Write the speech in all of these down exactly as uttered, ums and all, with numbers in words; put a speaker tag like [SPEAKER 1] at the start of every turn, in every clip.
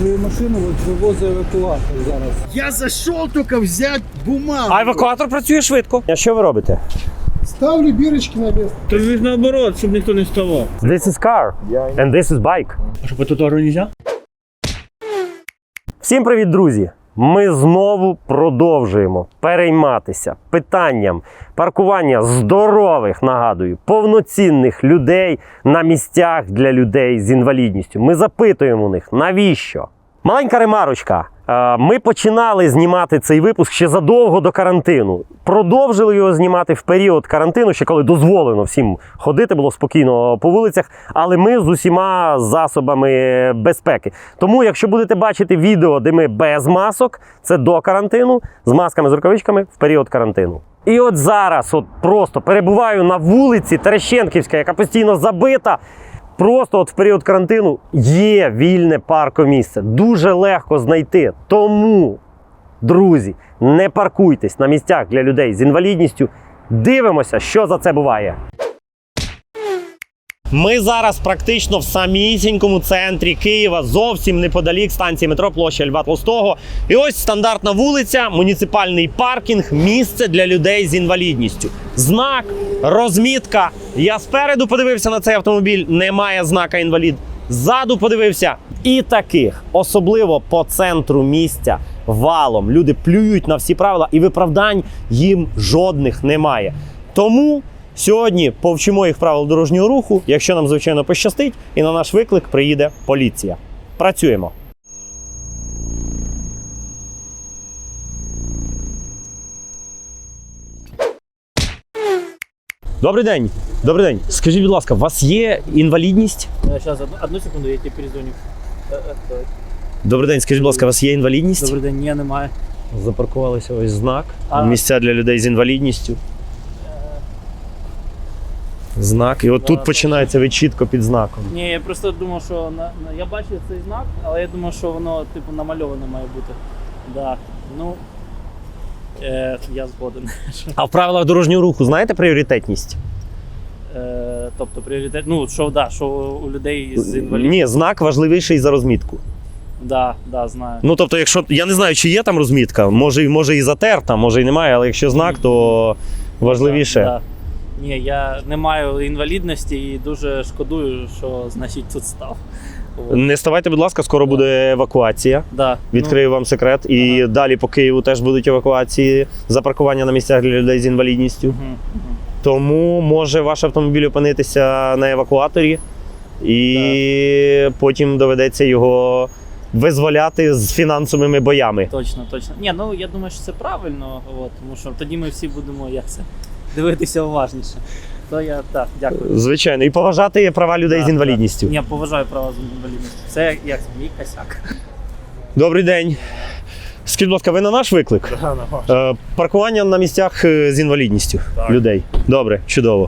[SPEAKER 1] свою машину, от вивозить евакуатор зараз.
[SPEAKER 2] Я зайшов тільки взяти бумагу.
[SPEAKER 3] А евакуатор працює швидко. А що ви робите?
[SPEAKER 1] Ставлю бірочки на місце.
[SPEAKER 2] То ж наоборот, щоб ніхто не ставав.
[SPEAKER 3] This is car and this is bike.
[SPEAKER 2] А що, по тротуару не можна?
[SPEAKER 3] Всім привіт, друзі! Ми знову продовжуємо перейматися питанням паркування здорових, нагадую, повноцінних людей на місцях для людей з інвалідністю. Ми запитуємо у них, навіщо? Маленька ремарочка. Ми починали знімати цей випуск ще задовго до карантину. Продовжили його знімати в період карантину, ще коли дозволено всім ходити, було спокійно по вулицях, але ми з усіма засобами безпеки. Тому, якщо будете бачити відео, де ми без масок, це до карантину, з масками, з рукавичками в період карантину. І от зараз от просто перебуваю на вулиці Терещенківська, яка постійно забита. Просто от в період карантину є вільне паркомісце. Дуже легко знайти. Тому, друзі, не паркуйтесь на місцях для людей з інвалідністю. Дивимося, що за це буває. Ми зараз практично в самісінькому центрі Києва, зовсім неподалік станції метро, площа Льва Толстого. І ось стандартна вулиця, муніципальний паркінг, місце для людей з інвалідністю. Знак, розмітка. Я спереду подивився на цей автомобіль, немає знака інвалід. Ззаду подивився. І таких, особливо по центру місця, валом. Люди плюють на всі правила і виправдань їм жодних немає. Тому сьогодні повчимо їх правил дорожнього руху, якщо нам, звичайно, пощастить, і на наш виклик приїде поліція. Працюємо. Добрий день. Добрий день. Скажіть, будь ласка, у вас є інвалідність?
[SPEAKER 4] Сейчас, одну, одну секунду, я тебе перезвоню.
[SPEAKER 3] Добрий день. Скажіть, будь ласка, у вас є інвалідність?
[SPEAKER 4] Добрий день, ні, немає.
[SPEAKER 3] Запаркувалися ось знак.
[SPEAKER 4] А.
[SPEAKER 3] Місця для людей з інвалідністю. Знак. І от тут
[SPEAKER 4] Да,
[SPEAKER 3] починається ви чітко під знаком.
[SPEAKER 4] Ні, я просто думав, що на, на, я бачив цей знак, але я думав, що воно типу намальоване має бути. Да. Ну, е, я згоден.
[SPEAKER 3] А в правилах дорожнього руху знаєте пріоритетність?
[SPEAKER 4] Е, тобто пріоритет, ну, що, да, що у людей з інвалідністю.
[SPEAKER 3] Ні, знак важливіший за розмітку.
[SPEAKER 4] Да, да, знаю.
[SPEAKER 3] Ну, тобто, якщо, я не знаю, чи є там розмітка, може, може і затерта, може і немає, але якщо знак, то важливіше.
[SPEAKER 4] Да, да. Ні, я не маю інвалідності і дуже шкодую, що, значить, тут став. От.
[SPEAKER 3] Не ставайте, будь ласка, скоро буде евакуація.
[SPEAKER 4] Да,
[SPEAKER 3] Відкрию вам секрет. І
[SPEAKER 4] Ага.
[SPEAKER 3] далі по Києву теж будуть евакуації за паркування на місцях для людей з інвалідністю.
[SPEAKER 4] Ну, угу, угу.
[SPEAKER 3] Тому може ваш автомобіль опинитися на евакуаторі, і потім доведеться його визволяти з фінансовими боями.
[SPEAKER 4] Точно, точно. Ні, ну я думаю, що це правильно, от, тому що тоді ми всі будемо як це, дивитися уважніше. То я так, дякую.
[SPEAKER 3] Звичайно, і поважати права людей
[SPEAKER 4] Так,
[SPEAKER 3] з інвалідністю.
[SPEAKER 4] так. Я поважаю права з інвалідністю. Це як мій косяк.
[SPEAKER 3] Добрий день. Скажіть, будь ласка, ви на наш виклик?
[SPEAKER 2] Да, на ваш.
[SPEAKER 3] Е, паркування на місцях е, з інвалідністю
[SPEAKER 2] Так.
[SPEAKER 3] людей. Добре, чудово.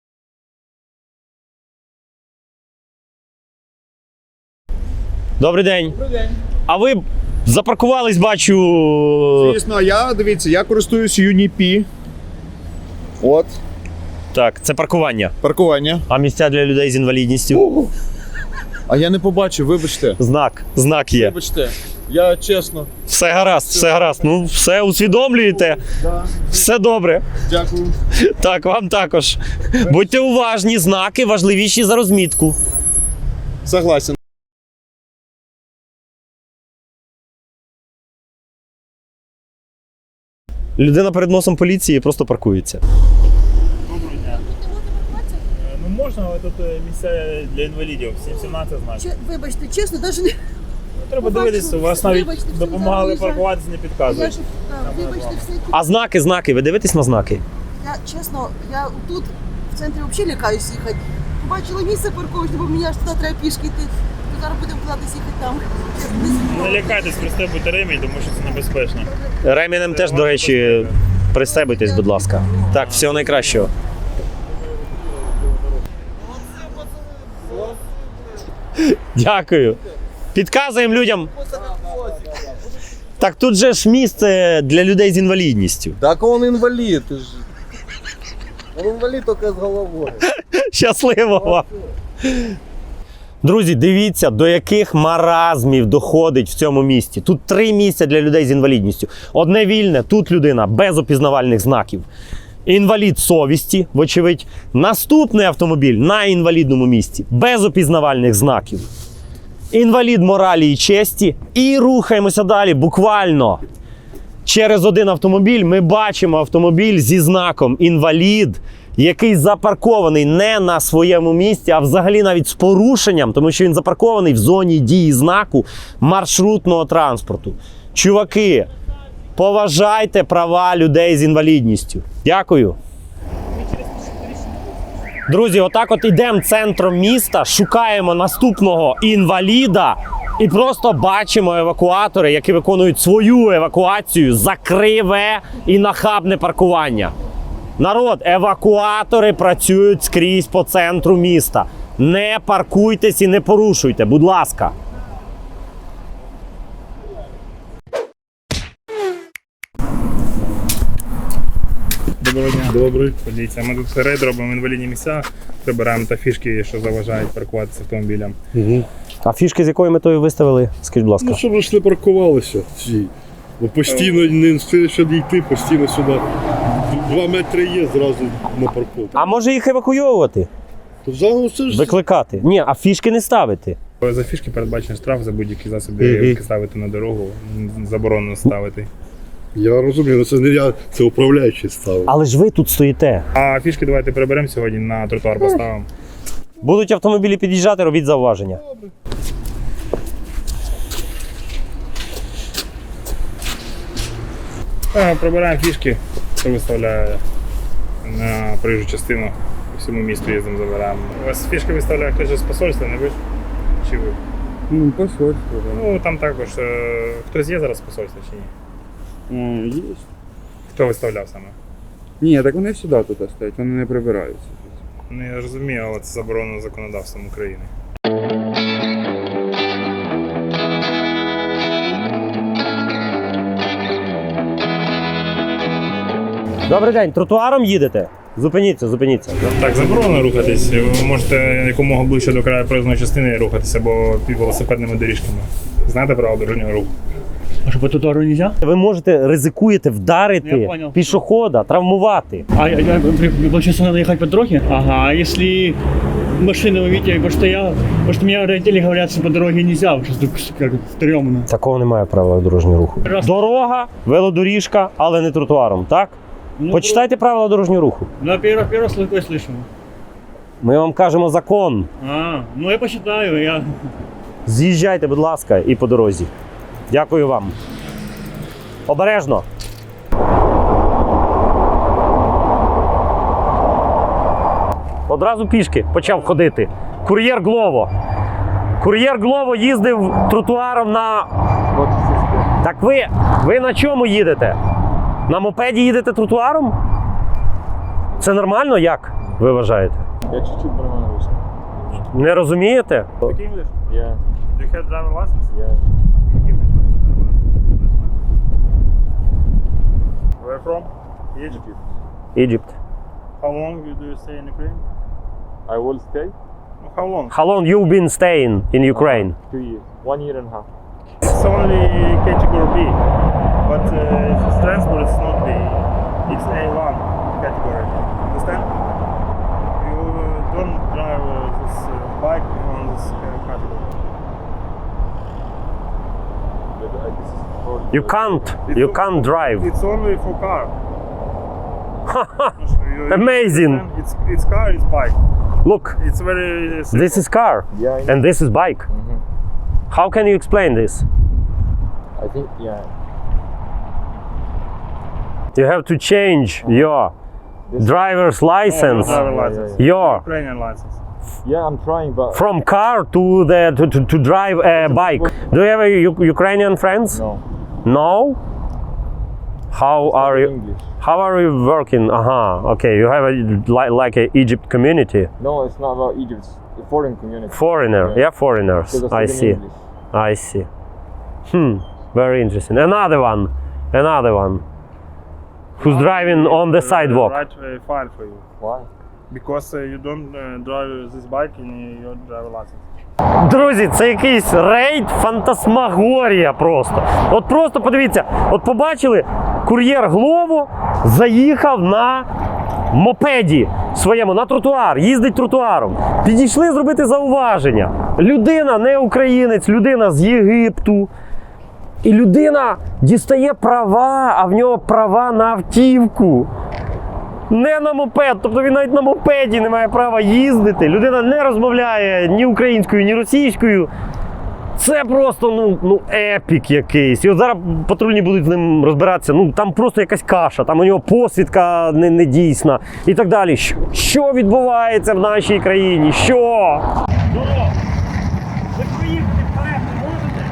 [SPEAKER 3] Добрий день.
[SPEAKER 2] Добрий день.
[SPEAKER 3] А ви запаркувались, бачу.
[SPEAKER 2] Звісно, я, дивіться, я користуюсь Юніпі. От,
[SPEAKER 3] Так, це паркування.
[SPEAKER 2] паркування.
[SPEAKER 3] А місця для людей з інвалідністю?
[SPEAKER 2] А я не побачив, вибачте.
[SPEAKER 3] Знак. Знак є.
[SPEAKER 2] Вибачте, я чесно.
[SPEAKER 3] Все гаразд, все гаразд. Ну, все усвідомлюєте.
[SPEAKER 2] Да.
[SPEAKER 3] Все добре.
[SPEAKER 2] Дякую.
[SPEAKER 3] Так, вам також. Будьте уважні, знаки важливіші за розмітку.
[SPEAKER 2] Согласен.
[SPEAKER 3] Людина перед носом поліції просто паркується.
[SPEAKER 4] Доброго дня.
[SPEAKER 5] Ну можна, але тут е, місця для інвалідів, сімнадцять знаків.
[SPEAKER 6] Че- Вибачте, чесно, навіть не.
[SPEAKER 5] Треба
[SPEAKER 6] побачу,
[SPEAKER 5] дивитися, у вас навіть
[SPEAKER 6] вибачте, всім
[SPEAKER 5] допомагали
[SPEAKER 6] зараз
[SPEAKER 5] паркуватися, не
[SPEAKER 6] Я
[SPEAKER 5] підказують.
[SPEAKER 6] ж, да, вибачте, все.
[SPEAKER 3] А знаки, знаки, ви дивитесь на знаки?
[SPEAKER 6] Я чесно, я тут в центрі взагалі лякаюсь їхати. Побачила місце парковочне, бо мені аж туди треба пішки йти. То зараз будемо кудись їхати там. Чесно,
[SPEAKER 5] Не лякайтесь, пристебуйте ремінь, тому що це небезпечно.
[SPEAKER 3] Ременем теж, до речі, пристебуйтесь, будь ласка. Так, всього найкращого. Дякую. Підказуємо людям. Так тут же ж місце для людей з інвалідністю.
[SPEAKER 1] Так он інвалід. Ти ж. Он інвалід тільки з головою.
[SPEAKER 3] Щасливо вам. Друзі, дивіться, до яких маразмів доходить в цьому місті. Тут три місця для людей з інвалідністю. Одне вільне, тут людина без опізнавальних знаків. Інвалід совісті, вочевидь. Наступний автомобіль на інвалідному місці, без опізнавальних знаків. Інвалід моралі і честі. І рухаємося далі, буквально. Через один автомобіль ми бачимо автомобіль зі знаком «Інвалід», який запаркований не на своєму місці, а взагалі навіть з порушенням, тому що він запаркований в зоні дії знаку маршрутного транспорту. Чуваки, поважайте права людей з інвалідністю. Дякую. Друзі, отак от ідемо центром міста, шукаємо наступного інваліда і просто бачимо евакуатори, які виконують свою евакуацію за криве і нахабне паркування. Народ, евакуатори працюють скрізь по центру міста. Не паркуйтесь і не порушуйте, будь ласка.
[SPEAKER 5] Доброго дня. Добрий. Подивіться, ми тут рейд робимо інвалідні місця, прибираємо та фішки, що заважають паркуватися автомобілям.
[SPEAKER 3] Угу. А фішки з якою метою виставили? Скажіть, будь ласка.
[SPEAKER 7] Ну, щоб ж не паркувалися всі. Бо постійно не встигли сюди йти, постійно сюди. Два метри є зразу на парковку.
[SPEAKER 3] А може їх евакуйовувати?
[SPEAKER 7] То взагалі це ж
[SPEAKER 3] Викликати? Ні, а фішки не ставити.
[SPEAKER 5] За фішки передбачений штраф за будь-які засоби,
[SPEAKER 3] Мгм.
[SPEAKER 5] які ставити на дорогу, заборонено ставити.
[SPEAKER 7] я розумію, але це не я, це управляючий ставив.
[SPEAKER 3] Але ж ви тут стоїте.
[SPEAKER 5] А фішки давайте приберемо сьогодні, на тротуар поставимо.
[SPEAKER 3] Будуть автомобілі під'їжджати, робіть зауваження.
[SPEAKER 5] А, прибираємо фішки, хто виставляє на проїжджу частину. По всьому місту їздимо, забираємо. У вас фішки виставляє хтось з посольства, не ви ж? Чи ви?
[SPEAKER 8] Ну, посольство, да.
[SPEAKER 5] Ну, там також. е, Хтось є зараз з посольства чи ні?
[SPEAKER 8] Е, Є.
[SPEAKER 5] Хто виставляв саме?
[SPEAKER 8] Ні, так вони всюди тут стоять, вони не прибираються.
[SPEAKER 5] Ну, я розумію, але це заборонено законодавством України.
[SPEAKER 3] Добрий день, тротуаром їдете? Зупиніться, зупиніться.
[SPEAKER 5] Так, заборонено рухатись. Ви можете якомога ближче до краю проїзної частини рухатися, або під велосипедними доріжками. Знаєте правила дорожнього руху?
[SPEAKER 9] А что, по тротуару нельзя?
[SPEAKER 3] Ви можете ризикуєте вдарити
[SPEAKER 9] Я понял.
[SPEAKER 3] пішохода, травмувати.
[SPEAKER 9] А, я, я, получается, надо ехать по дороге? Ага, а если машины, вы видите, потому что я, потому что мне родители говорят, что по дороге нельзя, потому что тут как стрёмно.
[SPEAKER 3] Такого немає правил дорожнього руху.
[SPEAKER 9] Раз.
[SPEAKER 3] Дорога, велодоріжка, але не тротуаром, так?
[SPEAKER 9] Ну,
[SPEAKER 3] Почитайте правила дорожнього руху.
[SPEAKER 9] Ну, первый, первый раз такое слышал.
[SPEAKER 3] Ми вам кажемо закон.
[SPEAKER 9] А, ну я посчитаю, я...
[SPEAKER 3] З'їжджайте, будь ласка, і по дорозі. Дякую вам. Обережно. Одразу пішки почав ходити. Кур'єр Глово. Кур'єр Глово їздив тротуаром на... Так ви, ви на чому їдете? На мопеді їдете тротуаром? Це нормально, як ви вважаєте?
[SPEAKER 5] Я чуть-чуть нормально русский.
[SPEAKER 3] Не розумієте?
[SPEAKER 5] Speak English? Yeah. Do you have driver license? Yeah. Where from? Egypt.
[SPEAKER 3] Egypt.
[SPEAKER 5] How long do you stay in Ukraine?
[SPEAKER 10] I will stay
[SPEAKER 5] How long?
[SPEAKER 3] How long you been staying in Ukraine?
[SPEAKER 10] two years, one year and a half.
[SPEAKER 5] It's only category B, but uh, it's transport is not B. It's A one category. Understand? You uh, don't drive uh, this uh, bike on this uh, category.
[SPEAKER 10] But, uh, this is for
[SPEAKER 3] You can't, you can't drive.
[SPEAKER 5] It's only for car. You-
[SPEAKER 3] Amazing.
[SPEAKER 5] understand? It's it's car, it's bike.
[SPEAKER 3] Look,
[SPEAKER 5] It's very uh, simple.
[SPEAKER 3] this is car
[SPEAKER 10] Yeah, I know.
[SPEAKER 3] and this is bike.
[SPEAKER 10] Mhm.
[SPEAKER 3] How can you explain this?
[SPEAKER 10] I think, yeah.
[SPEAKER 3] You have to change your
[SPEAKER 10] This-
[SPEAKER 3] driver's license,
[SPEAKER 5] Oh, driver
[SPEAKER 10] Yeah,
[SPEAKER 5] license.
[SPEAKER 10] yeah,
[SPEAKER 3] your
[SPEAKER 5] Ukrainian license.
[SPEAKER 10] Yeah, I'm trying, but
[SPEAKER 3] from car to the to, to, to drive a bike. Do you have a U- Ukrainian friends?
[SPEAKER 10] no.
[SPEAKER 3] No? How are you?
[SPEAKER 10] English.
[SPEAKER 3] How are you working? Aha, okay. You have a like like a Egypt community,
[SPEAKER 10] No, it's not about Egypt. It's a foreign community.
[SPEAKER 3] foreigner.
[SPEAKER 10] Yeah.
[SPEAKER 3] Yeah, foreigners.
[SPEAKER 10] Because
[SPEAKER 3] I
[SPEAKER 10] speak
[SPEAKER 3] see.
[SPEAKER 10] English.
[SPEAKER 3] I see. Hmm. Very interesting. Another one. Another one. Who's driving on the
[SPEAKER 5] Uh,
[SPEAKER 3] sidewalk?
[SPEAKER 5] Right uh, fine for you.
[SPEAKER 10] Why?
[SPEAKER 5] Because uh, you don't uh, drive this bike in your driver license.
[SPEAKER 3] Друзі, це якийсь рейд фантасмагорія просто. От просто подивіться, от побачили, кур'єр Глово заїхав на мопеді своєму, на тротуар, їздить тротуаром. Підійшли зробити зауваження. Людина не українець, людина з Єгипту. І людина дістає права, а в нього права на автівку. Не на мопед, тобто він навіть на мопеді не має права їздити. Людина не розмовляє ні українською, ні російською. Це просто ну, ну, епік якийсь. І от зараз патрульні будуть з ним розбиратися. Ну, там просто якась каша, там у нього посвідка не, не дійсна і так далі. Що, що відбувається в нашій країні? Що? Здорово! Ви поїхати вперед не можете?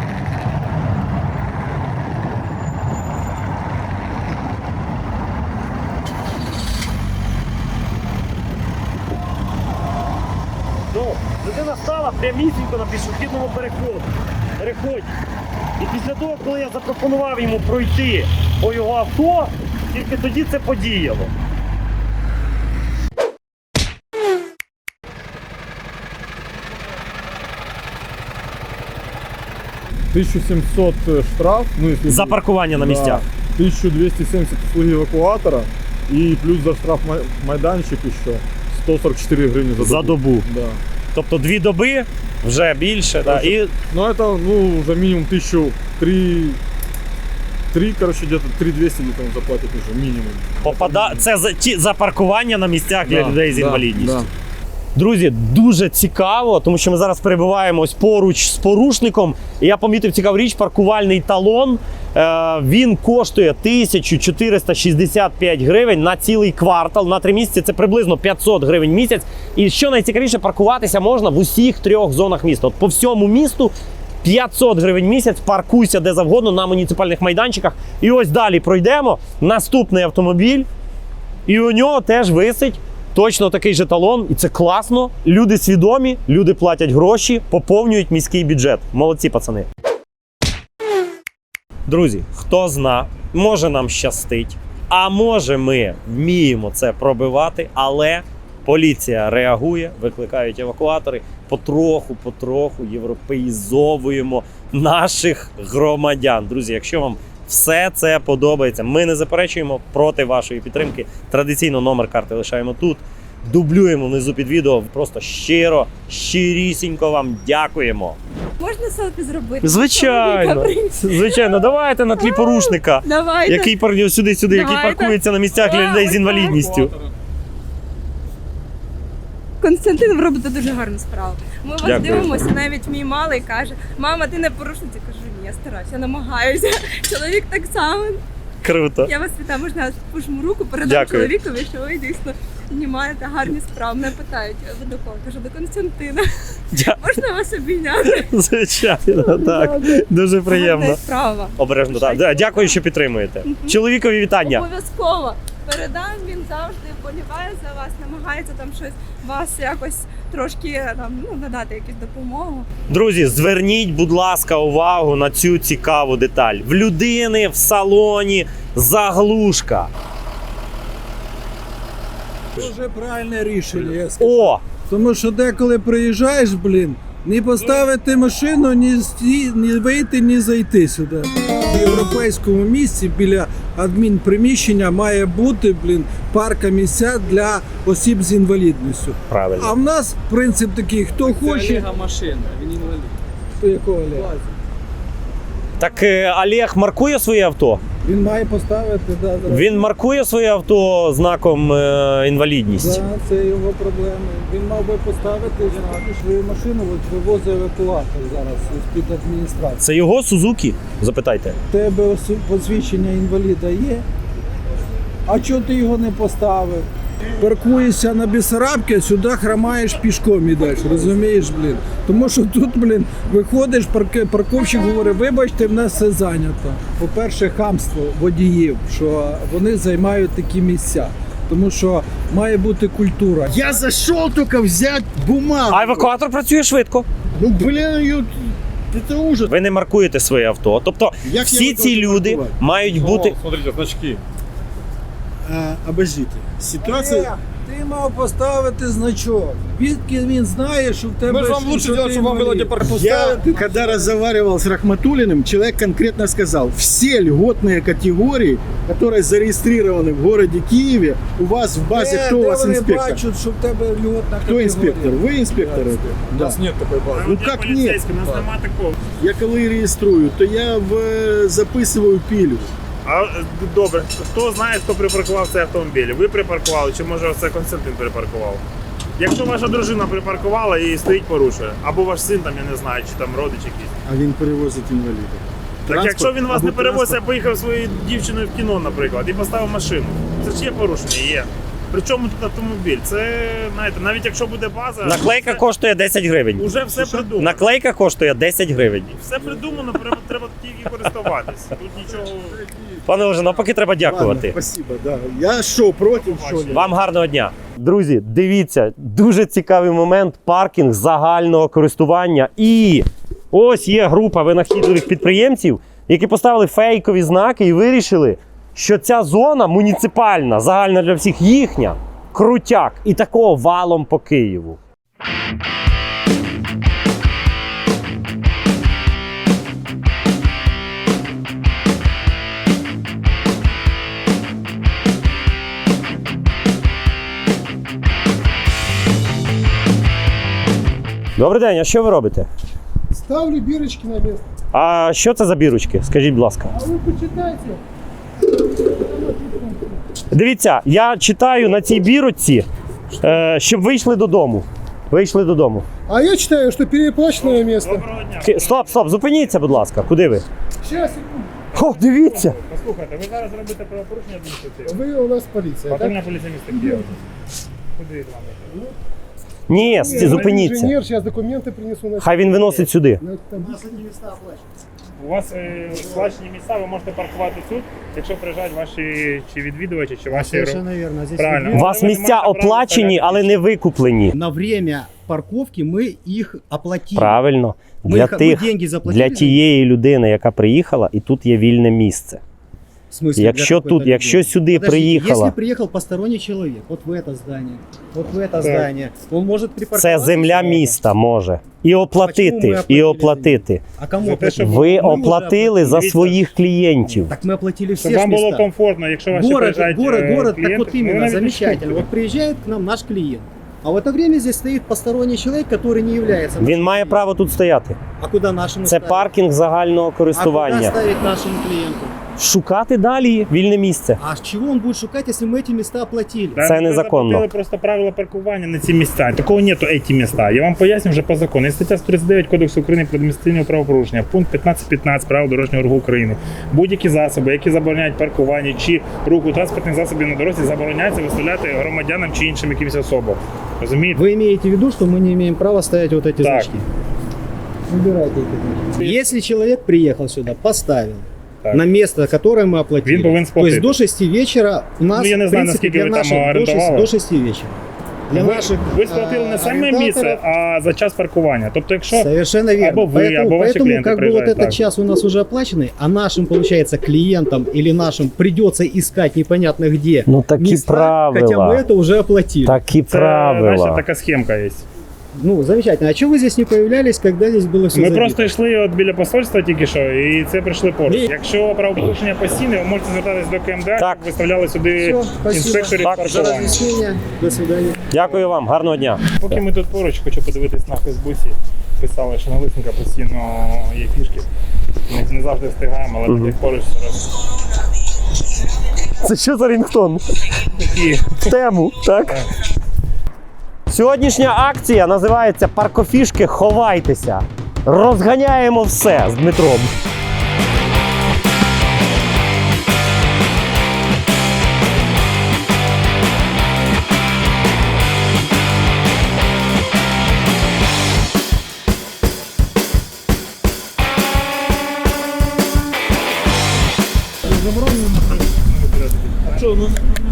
[SPEAKER 3] Ну, людина стала прямісінько на пішохідному переходу. переході. І після того, коли я запропонував йому пройти по його авто, тільки тоді це подіяло.
[SPEAKER 1] тисяча сімсот штраф. Ну, если
[SPEAKER 3] За паркування на місцях.
[SPEAKER 1] Да, тисяча двісті сімдесят услуги евакуатора и плюс за штраф май- майданчик еще сто сорок чотири гривні за добу.
[SPEAKER 3] За добу.
[SPEAKER 1] Да.
[SPEAKER 3] Тобто дві доби, вже більше. Да. І
[SPEAKER 1] Ну это, ну, уже минимум тысячу три, три, короче, где-то три двести где-то он заплатит уже, минимум.
[SPEAKER 3] попада... це за, ті, за паркування на місцях для
[SPEAKER 1] Да,
[SPEAKER 3] людей з
[SPEAKER 1] да,
[SPEAKER 3] інвалідністю.
[SPEAKER 1] да.
[SPEAKER 3] Друзі, дуже цікаво, тому що ми зараз перебуваємо ось поруч з порушником. І я помітив цікаву річ, паркувальний талон. Е, він коштує тисяча чотириста шістдесят п'ять гривень на цілий квартал, на три місяці. Це приблизно п'ятсот гривень в місяць. І що найцікавіше, паркуватися можна в усіх трьох зонах міста. От по всьому місту п'ятсот гривень в місяць, паркуйся де завгодно на муніципальних майданчиках. І ось далі пройдемо. Наступний автомобіль. І у нього теж висить точно такий же талон, і це класно. Люди свідомі, люди платять гроші, поповнюють міський бюджет. Молодці, пацани. Друзі, хто зна, може нам щастить, а може ми вміємо це пробивати, але поліція реагує, викликають евакуатори. Потроху, потроху європеїзовуємо наших громадян. Друзі, якщо вам все це подобається, ми не заперечуємо проти вашої підтримки. Традиційно номер карти лишаємо тут. Дублюємо внизу під відео. Просто щиро, щирісінько вам дякуємо.
[SPEAKER 11] Можна селфі зробити?
[SPEAKER 3] Звичайно,
[SPEAKER 11] Чоловіка
[SPEAKER 3] звичайно, давайте на тлі порушника,
[SPEAKER 11] Давайте.
[SPEAKER 3] який парнів сюди-сюди, який
[SPEAKER 11] Давайте.
[SPEAKER 3] паркується на місцях для людей з інвалідністю.
[SPEAKER 11] Константин, ви робите дуже гарну справу. Ми вас
[SPEAKER 3] Дякую.
[SPEAKER 11] дивимося, навіть мій малий каже: мама, ти не порушниця. Кажу, ні, я стараюся, я намагаюся. Чоловік так само.
[SPEAKER 3] Круто.
[SPEAKER 11] Я вас вітаю, можна я пожму руку, передам
[SPEAKER 3] Дякую.
[SPEAKER 11] чоловікові, що ви дійсно знімаєте гарні справи. Мене питають, ви до кого? Кажу, до Константина.
[SPEAKER 3] Дя-
[SPEAKER 11] Можна вас обійняти?
[SPEAKER 3] Звичайно, так. Дуже приємно.
[SPEAKER 11] Гарна справа.
[SPEAKER 3] Обережно, так. Да, дякую, що підтримуєте. Чоловікові вітання.
[SPEAKER 11] Обов'язково. Передам, він завжди вболіває за вас, намагається там щось вас якось трошки там, ну, надати якусь допомогу.
[SPEAKER 3] Друзі, зверніть, будь ласка, увагу на цю цікаву деталь. В людини в салоні заглушка.
[SPEAKER 1] Дуже правильне рішення, я скажу.
[SPEAKER 3] О!
[SPEAKER 1] Тому що деколи приїжджаєш, блін, не поставити машину, ні, сті- ні вийти, ні зайти сюди. В європейському місці біля адмінприміщення має бути, блін, парка місця для осіб з інвалідністю.
[SPEAKER 3] Правильно.
[SPEAKER 1] А в нас принцип такий, хто хоче.
[SPEAKER 4] машина, він інвалід.
[SPEAKER 1] Хто якого Олега?
[SPEAKER 3] Так е, Олег маркує своє авто?
[SPEAKER 1] Він має поставити, да, да.
[SPEAKER 3] Він маркує своє авто знаком е, інвалідність?
[SPEAKER 1] Да, це його проблеми. Він мав би поставити знати свою машину, от вивозить евакуатор зараз з-під адміністрації.
[SPEAKER 3] Це його Сузукі? Запитайте.
[SPEAKER 1] У тебе осу- посвідчення інваліда є? А чого ти його не поставив? Паркуєшся на Бессарабці, сюди хромаєш пішком ідеш, розумієш, блін? Тому що тут, блін, виходиш, парк... парковщик говорить, вибачте, в нас все зайнято. По-перше, хамство водіїв, що вони займають такі місця. Тому що має бути культура.
[SPEAKER 7] Я зайшов тільки взяти бумагу.
[SPEAKER 3] А евакуатор працює швидко.
[SPEAKER 7] Ну, блін, це ужас.
[SPEAKER 3] Ви не маркуєте своє авто. Тобто
[SPEAKER 7] Як я
[SPEAKER 3] всі
[SPEAKER 7] буду
[SPEAKER 3] ці люди
[SPEAKER 7] маркувати?
[SPEAKER 3] мають бути...
[SPEAKER 2] Смотрите, значки.
[SPEAKER 7] А, обождите. Ситуація,
[SPEAKER 1] Ти мав поставити значок. Відки він знає, що в тебе...
[SPEAKER 2] Ми ж вам лучше делать, щоб вам було де
[SPEAKER 12] Я, когда разговаривал с Рахматуллиным, человек конкретно сказал, все льготные категории, которые зарегистрированы в городе Киеве, у вас в базе,
[SPEAKER 1] Де,
[SPEAKER 12] кто у
[SPEAKER 1] де
[SPEAKER 12] вас
[SPEAKER 1] вони
[SPEAKER 12] инспектор?
[SPEAKER 1] бачать, що в тебе льготна
[SPEAKER 12] Кто
[SPEAKER 1] категорія?
[SPEAKER 12] инспектор? Вы инспектор?
[SPEAKER 2] У нас нет такої бази.
[SPEAKER 12] Ну как нет?
[SPEAKER 5] Поліцейський, у нас нема такого.
[SPEAKER 12] Я коли реєструю, то я в, записываю пилю.
[SPEAKER 5] А е, добре, хто знає, хто припаркував цей автомобіль? Ви припаркували, чи може це Константин припаркував? Якщо ваша дружина припаркувала і стоїть порушує, або ваш син там, я не знаю, чи там родич якийсь.
[SPEAKER 12] А він перевозить інвалідів.
[SPEAKER 5] Так
[SPEAKER 12] Транспорт
[SPEAKER 5] якщо він вас
[SPEAKER 12] або
[SPEAKER 5] не перевозить, а
[SPEAKER 12] транспорт.
[SPEAKER 5] поїхав своєю дівчиною в кіно, наприклад, і поставив машину, це ж є порушення, є. Причому тут автомобіль? Це, знаєте, навіть якщо буде база,
[SPEAKER 3] Наклейка
[SPEAKER 5] все-
[SPEAKER 3] коштує десять гривень.
[SPEAKER 5] уже все придумано.
[SPEAKER 3] Наклейка коштує десять гривень.
[SPEAKER 5] Все придумано, треба, треба тільки користуватися. Тут нічого.
[SPEAKER 3] Пане Олеже, навпаки, треба дякувати.
[SPEAKER 12] Ладно, спасибо, да. Я що, проти, що ли?
[SPEAKER 3] Вам гарного дня. Друзі, дивіться, дуже цікавий момент. Паркінг загального користування. І ось є група винахідливих підприємців, які поставили фейкові знаки і вирішили, що ця зона муніципальна, загальна для всіх їхня, крутяк. І такого валом по Києву. Добрий день, а що ви робите?
[SPEAKER 12] Ставлю бірочки на місце.
[SPEAKER 3] А що це за бірочки? Скажіть, будь ласка.
[SPEAKER 12] А ви почитайте.
[SPEAKER 3] Дивіться, я читаю на цій бірочці, е, щоб вийшли додому. Вийшли додому.
[SPEAKER 12] А я читаю, що переплачене місце.
[SPEAKER 5] Доброго дня.
[SPEAKER 3] Ки- Стоп, стоп, зупиніться, будь ласка. Куди ви?
[SPEAKER 12] Зараз,
[SPEAKER 3] О, дивіться!
[SPEAKER 5] Послухайте, ви зараз робите правопорушення адміністративне.
[SPEAKER 12] ви у нас поліція, так?
[SPEAKER 5] Патрульна поліція міста Києва. Куди вам?
[SPEAKER 3] Ні, с- зупиніться.
[SPEAKER 12] Інженер, зараз документи принесу на
[SPEAKER 3] Хай він виносить сюди.
[SPEAKER 5] У вас е, сплачені місця, ви можете паркувати тут, якщо приїжджають ваші чи відвідувачі, чи ваші
[SPEAKER 12] Совершенно верно. Здесь
[SPEAKER 5] правильно.
[SPEAKER 3] У вас
[SPEAKER 5] Але ви не
[SPEAKER 3] місця
[SPEAKER 5] маєте права
[SPEAKER 3] оплачені,
[SPEAKER 5] стояти.
[SPEAKER 3] але не викуплені.
[SPEAKER 12] на время парковки мы их оплатили.
[SPEAKER 3] Правильно.
[SPEAKER 12] Мы,
[SPEAKER 3] Для
[SPEAKER 12] их, мы
[SPEAKER 3] тих,
[SPEAKER 12] деньги заплатили.
[SPEAKER 3] для тієї людини, яка приїхала, і тут є вільне місце.
[SPEAKER 12] В смысле,
[SPEAKER 3] Якщо
[SPEAKER 12] для какой-то
[SPEAKER 3] тут, якщо
[SPEAKER 12] людей?
[SPEAKER 3] сюди
[SPEAKER 12] Подождите,
[SPEAKER 3] приїхала,
[SPEAKER 12] Если приехал посторонний человек, вот в это здание, вот в это
[SPEAKER 5] Так.
[SPEAKER 12] здание, он может припарковаться.
[SPEAKER 3] це земля
[SPEAKER 12] сюда.
[SPEAKER 3] міста може. І
[SPEAKER 12] Почему ми
[SPEAKER 3] оплатити,
[SPEAKER 12] оплатили
[SPEAKER 3] і оплатити.
[SPEAKER 12] А кому
[SPEAKER 5] За те,
[SPEAKER 12] оплатили?
[SPEAKER 5] щоб
[SPEAKER 3] Ви
[SPEAKER 12] Мы уже
[SPEAKER 3] оплатили за
[SPEAKER 5] Дивіться.
[SPEAKER 3] своїх клієнтів.
[SPEAKER 12] Так мы оплатили все
[SPEAKER 5] Щоб вам було
[SPEAKER 12] места.
[SPEAKER 5] комфортно, якщо ваші
[SPEAKER 12] Город,
[SPEAKER 5] приїжджають
[SPEAKER 12] город,
[SPEAKER 5] е,
[SPEAKER 12] город,
[SPEAKER 5] клієнти,
[SPEAKER 12] так вот
[SPEAKER 5] ну, ви
[SPEAKER 12] именно,
[SPEAKER 5] навіть
[SPEAKER 12] замечательно.
[SPEAKER 5] пишіть.
[SPEAKER 12] Вот приезжает к нам наш клиент. А в это время здесь стоит посторонний человек, который не является
[SPEAKER 3] Він
[SPEAKER 12] нашим
[SPEAKER 3] має
[SPEAKER 12] клиентом.
[SPEAKER 3] право тут стояти.
[SPEAKER 12] А куда нашему
[SPEAKER 3] Це
[SPEAKER 12] ставить?
[SPEAKER 3] паркінг загального
[SPEAKER 12] А куда
[SPEAKER 3] користування.
[SPEAKER 12] ставить нашему клиенту?
[SPEAKER 3] Шукати далі вільне місце.
[SPEAKER 12] А с чего он будет шукать, если мы эти места оплатили?
[SPEAKER 5] Да,
[SPEAKER 3] Це
[SPEAKER 5] ви
[SPEAKER 3] незаконно.
[SPEAKER 5] заплатили просто правила паркування на ці місця. Такого нету, ці місця. Я вам поясню вже по закону. Є стаття сто тридцять дев'ять Кодексу України про адміністративне правопорушення, пункт п'ятнадцять п'ятнадцять правил дорожнього руху України. Будь-які засоби, які забороняють паркування чи руху транспортних засобів на дорозі, забороняється виставляти громадянам чи іншим якимось особам. Розумієте?
[SPEAKER 12] Вы имеете в виду, что мы не имеем права ставить вот эти
[SPEAKER 5] Так.
[SPEAKER 12] значки? Убирайте эти значки. Если человек приехал сюда, поставил
[SPEAKER 5] Так.
[SPEAKER 12] на место, которое мы оплатили,
[SPEAKER 5] Він повинен
[SPEAKER 12] то
[SPEAKER 5] сплатити.
[SPEAKER 12] есть до шести вечера у нас,
[SPEAKER 5] Ну, я не
[SPEAKER 12] в
[SPEAKER 5] знаю,
[SPEAKER 12] принципе,
[SPEAKER 5] наскільки
[SPEAKER 12] для
[SPEAKER 5] ви там
[SPEAKER 12] наших до шести,
[SPEAKER 5] орендували.
[SPEAKER 12] до шести вечера. Для
[SPEAKER 5] ви,
[SPEAKER 12] наших
[SPEAKER 5] ви сплатили не
[SPEAKER 12] а,
[SPEAKER 5] саме
[SPEAKER 12] арендаторов-
[SPEAKER 5] місце, а за час паркування. Тобто, якщо
[SPEAKER 12] Совершенно верно.
[SPEAKER 5] Або вы,
[SPEAKER 12] поэтому
[SPEAKER 5] або ваши
[SPEAKER 12] поэтому
[SPEAKER 5] клиенты
[SPEAKER 12] как бы вот
[SPEAKER 5] приезжают,
[SPEAKER 12] этот
[SPEAKER 5] так.
[SPEAKER 12] час у нас уже оплаченный, а нашим, получается, клиентам или нашим придется искать непонятно где
[SPEAKER 3] Ну такі
[SPEAKER 12] места,
[SPEAKER 3] правила.
[SPEAKER 12] хотя мы это уже оплатили.
[SPEAKER 3] Такі
[SPEAKER 5] це
[SPEAKER 3] правила.
[SPEAKER 5] знаєте, така схемка є.
[SPEAKER 12] Ну, замечательно. А чего вы здесь не появлялись, когда здесь было все
[SPEAKER 5] Ми
[SPEAKER 12] забито?
[SPEAKER 5] просто йшли от біля посольства тільки що, і це прийшли поруч.
[SPEAKER 12] Ні.
[SPEAKER 5] Якщо правопорушення постійне, ви можете звертатись до КМДА,
[SPEAKER 3] Так.
[SPEAKER 5] щоб виставляли сюди
[SPEAKER 12] Все, спасибо.
[SPEAKER 5] інспекторів
[SPEAKER 3] Так,
[SPEAKER 12] За
[SPEAKER 5] паркування.
[SPEAKER 12] разъяснение. До свидания.
[SPEAKER 3] Дякую вам, гарного дня.
[SPEAKER 5] Поки ми тут поруч, хочу подивитись на Фейсбуці. Писали, що на Лисенка постійно є фішки. Не, не завжди встигаємо, але
[SPEAKER 3] Мгм.
[SPEAKER 5] таких поруч зараз
[SPEAKER 3] Це що за рінгтон?
[SPEAKER 5] такі.
[SPEAKER 3] В тему, так? Сьогоднішня акція називається «Паркофішки, ховайтеся». Розганяємо все з Дмитром.
[SPEAKER 4] Що, ну,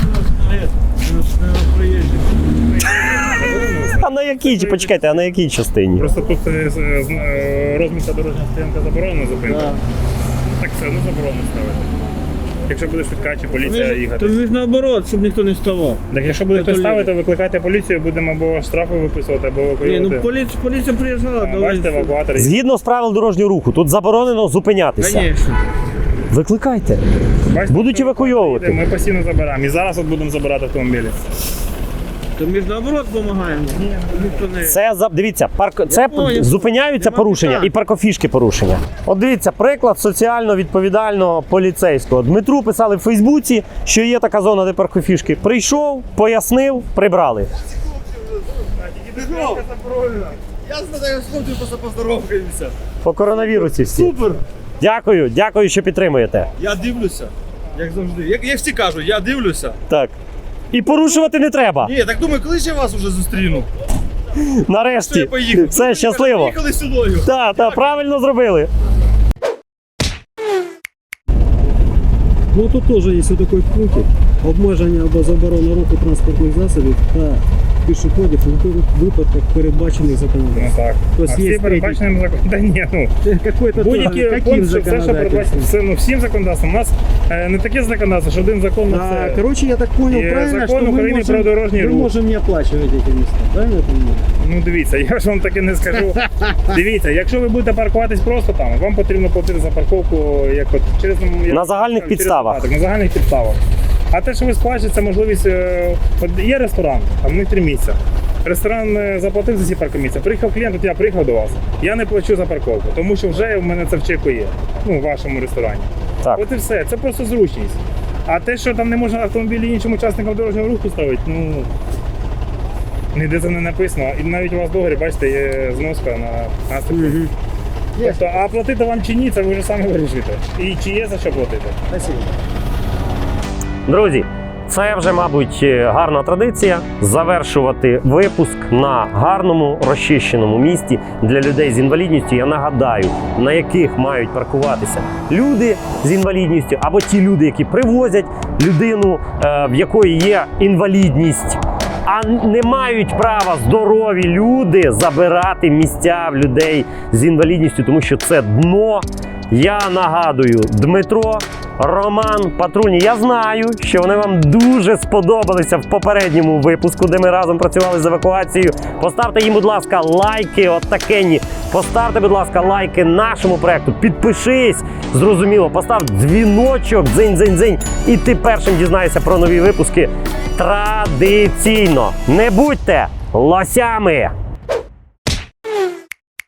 [SPEAKER 3] А на якій, почекайте, а на якій частині?
[SPEAKER 5] Просто тут е, з- е, розмітка дорожня стоянка заборонена зупинка. Так все одно заборонено ставити. якщо буде швидка чи поліція їхати.
[SPEAKER 9] То ви ж наоборот, щоб ніхто не ставав.
[SPEAKER 5] Так якщо буде хтось
[SPEAKER 9] Контролює.
[SPEAKER 5] ставити, викликайте поліцію, будемо або штрафи виписувати, або
[SPEAKER 9] Ні,
[SPEAKER 5] евакуювати.
[SPEAKER 9] ну поліція, поліція приїжджала,
[SPEAKER 5] А,
[SPEAKER 9] давай.
[SPEAKER 5] Бачите, евакуатори.
[SPEAKER 3] Згідно з правил дорожнього руху, тут заборонено зупинятися.
[SPEAKER 9] Звісно.
[SPEAKER 3] Викликайте.
[SPEAKER 5] Бачите,
[SPEAKER 3] Будуть
[SPEAKER 5] що
[SPEAKER 3] евакуйовувати.
[SPEAKER 5] Ми постійно забираємо. І зараз от будемо забирати автомобілі.
[SPEAKER 9] То ми ж наоборот допомагаємо. Ніхто не...
[SPEAKER 3] Це за- дивіться, парк це
[SPEAKER 9] понял.
[SPEAKER 3] зупиняються
[SPEAKER 9] Нема
[SPEAKER 3] порушення
[SPEAKER 9] питань.
[SPEAKER 3] і паркофішки порушення. От дивіться, приклад соціально відповідального поліцейського. Дмитру писали в Фейсбуці, що є така зона, де паркофішки. Прийшов, пояснив, прибрали.
[SPEAKER 2] Я знаю, смотрю, просто поздоровкаємося.
[SPEAKER 3] По коронавірусі всі.
[SPEAKER 2] Супер!
[SPEAKER 3] Дякую, дякую, що підтримуєте.
[SPEAKER 2] Я дивлюся, як завжди. Як, як всі кажуть, я дивлюся.
[SPEAKER 3] Так. І порушувати не треба.
[SPEAKER 2] Ні, так думаю, коли ж я вас уже зустріну? Що
[SPEAKER 3] Нарешті.
[SPEAKER 2] я поїхав?
[SPEAKER 3] Все, щасливо.
[SPEAKER 2] Поїхали сюди.
[SPEAKER 3] Так, так, правильно зробили.
[SPEAKER 13] Ну тут теж є такий пункт обмеження або заборона руху транспортних засобів та пішоходів у випадках передбачених
[SPEAKER 5] Ну
[SPEAKER 13] законодавством.
[SPEAKER 5] так.
[SPEAKER 13] То
[SPEAKER 5] А
[SPEAKER 13] есть
[SPEAKER 5] всі
[SPEAKER 13] есть
[SPEAKER 5] передбаченим законом. Та ні, ну.
[SPEAKER 13] Какой-то
[SPEAKER 5] Будь-які
[SPEAKER 13] тоже, каким
[SPEAKER 5] пункти, все, що передбачено,
[SPEAKER 13] законодательством?
[SPEAKER 5] все, ну, всім законодавством. У нас е, не таке законодавство, що один закон на
[SPEAKER 13] А,
[SPEAKER 5] це.
[SPEAKER 13] короче, я так понял
[SPEAKER 5] Є
[SPEAKER 13] правильно,
[SPEAKER 5] закон
[SPEAKER 13] что мы
[SPEAKER 5] України
[SPEAKER 13] можем,
[SPEAKER 5] про дорожній
[SPEAKER 13] мы
[SPEAKER 5] рух.
[SPEAKER 13] можем не оплачивать эти места, правильно я понимаю?
[SPEAKER 5] Ну дивіться, я ж вам таке не скажу. Дивіться, якщо ви будете паркуватись просто там, вам потрібно платити за парковку як от через як-
[SPEAKER 3] На загальних
[SPEAKER 5] через
[SPEAKER 3] підставах.
[SPEAKER 5] додаток, на загальних підставах. А те, що ви сплачуєте, це можливість. е, От є ресторан, а в них три місця. Ресторан е, заплатив за ці паркомісця. Приїхав клієнт, от я приїхав до вас. Я не плачу за парковку, тому що вже в мене це в чеку є. Ну, в вашому ресторані.
[SPEAKER 3] Так.
[SPEAKER 5] От і все. Це просто зручність. А те, що там не можна автомобілі іншим учасникам дорожнього руху ставити, ну. Ніде це не написано. І навіть у вас в договорі, бачите, є зноска на наступ. Тобто, а платити вам чи ні, це ви вже самі вирішите. І чи є за що платити.
[SPEAKER 13] Спасибо.
[SPEAKER 3] Друзі, це вже, мабуть, гарна традиція завершувати випуск на гарному розчищеному місті для людей з інвалідністю. Я нагадаю, на яких мають паркуватися люди з інвалідністю або ті люди, які привозять людину, е, в якої є інвалідність. А не мають права здорові люди забирати місця в людей з інвалідністю, тому що це дно. Я нагадую, Дмитро, Роман, Патрульні. Я знаю, що вони вам дуже сподобалися в попередньому випуску, де ми разом працювали з евакуацією. Поставте їм, будь ласка, лайки, от такенні. Поставте, будь ласка, лайки нашому проекту. Підпишись, зрозуміло, постав дзвіночок, дзинь-дзинь-дзинь, і ти першим дізнаєшся про нові випуски традиційно. Не будьте лосями!